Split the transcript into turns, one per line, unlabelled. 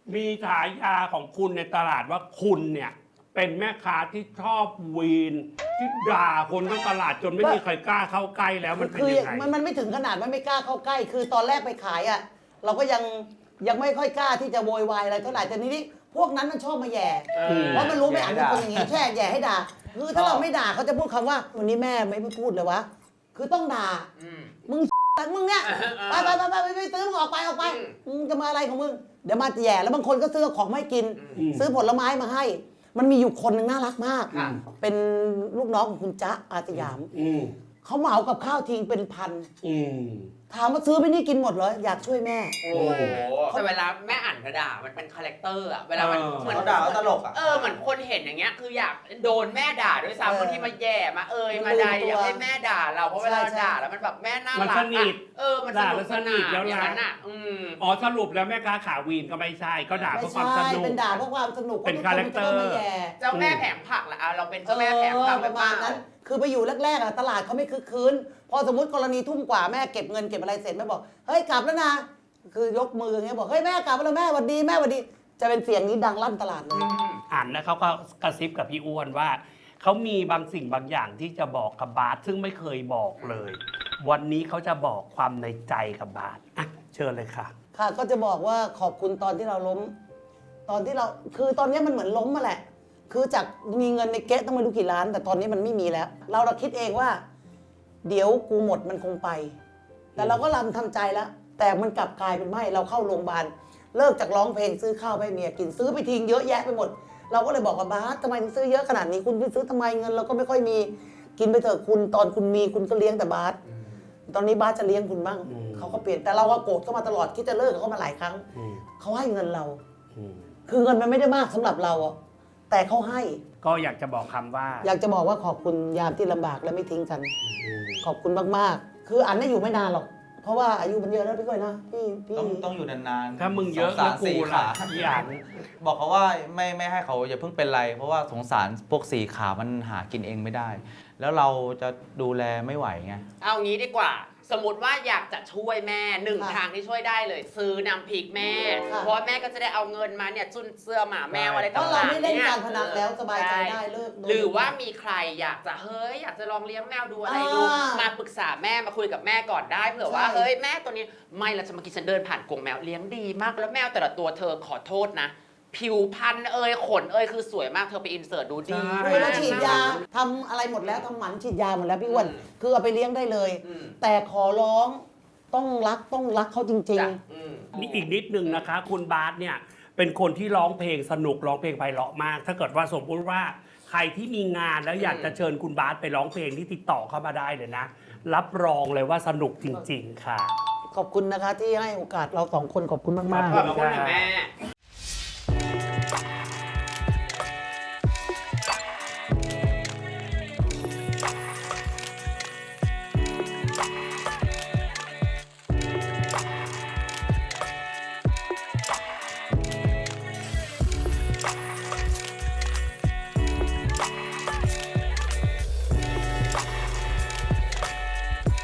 มีฉายาของคุณในตลาดว่าคุณเนี่ยเป็นแม่ค้าที่ชอบวีนที่ด่าคนทั้งตลาดจนไม่มีใครกล้าเข้าใกล้แล้วมันเป็น
คือ
ยังไง
มันไม่ถึงขนาดว่าไม่กล้าเข้าใกล้ คือตอนแรกไปขายอ่ะเราก็ยังไม่ค่อยกล้าที่จะโวยวายอะไรเท่าไหร่แต่นี้พวกนั้นมันชอบมาแย่เพราะมันรู้ไม่อ่านเป็นคนอย่างงี้แค่แย่ให้ด่าคือถ้าเราไม่ด่าเขาจะพูดคำว่าวันนี้แม่ไม่พูดเลยวะคือต้องด่ามึงมึงเนี่ยไปซื้อมึงออกไปมึงจะมาอะไรของมึงเดี๋ยวมาแย่แล้วบางคนก็ซื้อของไม่กิน ซื้อผลไม้มาให้ มันมีอยู่คนหนึ่งน่ารักมากเป็นลูกน้องของคุณจ๊ะอาสยามเขาเหมากับข้าวทิ้งเป็นพันถามว่าซื้อไปนี่กินหมดเหรออยากช่วยแม่
โอ้โหแต่เวลาแม่อ่านกระดาษมันเป็นคาแรคเตอร์อะเวลามันเหมือน
เขาด่าตลกอะ
เหมือนคนเห็นอย่างเงี้ยคืออยากโดนแม่ด่าด้วยซ้ำบางทีมาแย่มามาใดอยากให้แม่ด่าเราเพราะเวลาด่าแล้วมันแบบแม่น่ารัก
มันสนิท
มัน
ด่า
ส
แล้วสนิทแล้ว
อย่าง
นะ
นั้นอะ
อ๋อสรุปแล้วแม่ค้าขาวีนก็ไม่ใช่ก็ด่าเพ
ไม่
ราะความ
ใช่
สนุก
เป็นด่าเพราะความสนุก
เป็นคาแรคเตอร์
ไม่แย่
เจ้าแม่แผงผักละเราเป็นเจ้าแม่แผงผัก
ประมาณนั้น คือไปอยู่แรกๆอะตลาดเขาไม่คึกคืนพอสมมติกรณีทุ่มกว่าแม่เก็บเงินเก็บอะไรเสร็จแม่บอกเฮ้ยกลับแล้วนะคือยกมืออย่างเงี้ยบอกเฮ้ยแม่กลับแล้วแม่หวัดดีแม่หวัดดีจะเป็นเสียงนี้ดังลั่นตลาดเลย
อ่านแล้วเขาก็กระซิบกับพี่อ้วนว่าเขามีบางสิ่งบางอย่างที่จะบอกกับบาสซึ่งไม่เคยบอกเลย วันนี้เขาจะบอกความในใจกับบาสอ่ะเชิญเลยค่ะ
ค่ะก็จะบอกว่าขอบคุณตอนที่เราล้ม ตอนที่เราคือตอนนี้มันเหมือนล้มมาแหละ คือจากมีเงินในเก๊ะต้องไม่รู้กี่ล้าน แต่ตอนนี้มันไม่มีแล้ว เราคิดเองว่า เดี๋ยวกูหมดมันคงไป แต่เราก็ทำใจแล้ว แต่มันกลับกลายเป็นไม่เราเข้าโรงพยาบาลเลิกจากร้องเพลงซื้อข้าวให้เมียกินซื้อไปทิ้งเยอะแยะไปหมด เราก็เลยบอกกับบาสทำไมถึงซื้อเยอะขนาดนี้คุณไปซื้อทำไมเงินเราก็ไม่ค่อยมีกินไปเถอะคุณตอนคุณมีคุณก็เลี้ยงแต่บาสตอนนี้บาสจะเลี้ยงคุณบ้างเขาก็เปลี่ยนแต่เราก็โกรธเขามาตลอดคิดจะเลิกกับเขามาหลายครั้งเขาให้เงินเรา คือเงินมันไม่ได้มากสำหรับเราอะแต่เขาให้
ก็อยากจะบอกคำว่า
อยากจะบอกว่าขอบคุณยามที่ลำบากและไม่ทิ้งกัน ขอบคุณมากๆ คืออันไม่อยู่ไม่นานหรอก เพราะว่าอายุมันเยอะแล้วพี่ก้อยนะพี่
ต้องอยู่นานๆ
ถ้ามึงเยอะ
สงสาร
แล้วกู
สี่
ล่ะ
ขา
อีอ่าน
บอกเขาว่าไม่ให้เขาอย่าเพิ่งเป็นไร เพราะว่าสงสารพวกสี่ขามันหากินเองไม่ได้ แล้วเราจะดูแลไม่ไหวไง
เอางี้ดีกว่า สมมติว่าอยากจะช่วยแม่หนึ่ง
ค่ะ
ทางที่ช่วยได้เลย ซื้อน้ำพริกแม่
ค่ะ
เพราะว่าแม่ก็จะได้เอาเงินมาเนี่ยจุนเสื้อหมาแมวอะไร
เพ
ต่าง
ราะ
ๆ
เราไม่เล่น
ย
การพนันแล้วสบายใจได้เลิก
หรือว่ามีใครอยากจะอยากจะลองเลี้ยงแมวดูอะไรดู มาปรึกษาแม่มาคุยกับแม่ก่อนได้เผื่อว่าเฮ้ยแม่ตัวนี้ไม่ละจะมากินฉันเดินผ่านกรงแมวเลี้ยงดีมากแล้วแมวแต่ละตัวเธอขอโทษนะ ผิวพรรณขนคือสวยมากเธอไปอินเสิร์ตดูดี
ใช่
คือเราฉีดยาทำอะไรหมดแล้วทำหมันฉีดยาหมดแล้วพี่อ้วนคือเอาไปเลี้ยงได้เลย แต่ขอร้องต้องรักเขาจริง
จ้ะ
นี่อีกนิดนึงนะคะ คุณบาสเนี่ยเป็นคนที่ร้องเพลงสนุกร้องเพลงไพเราะมาก ถ้าเกิดว่าสมมติว่าใครที่มีงานแล้วอยากจะเชิญคุณบาสไปร้องเพลงที่ติดต่อเข้ามาได้เลยนะ รับรองเลยว่าสนุกจริง ๆ ค่ะ
ๆ ขอบคุณนะคะที่ให้โอกาสเราสองคนขอบคุณมาก
ขอบคุณนะแม่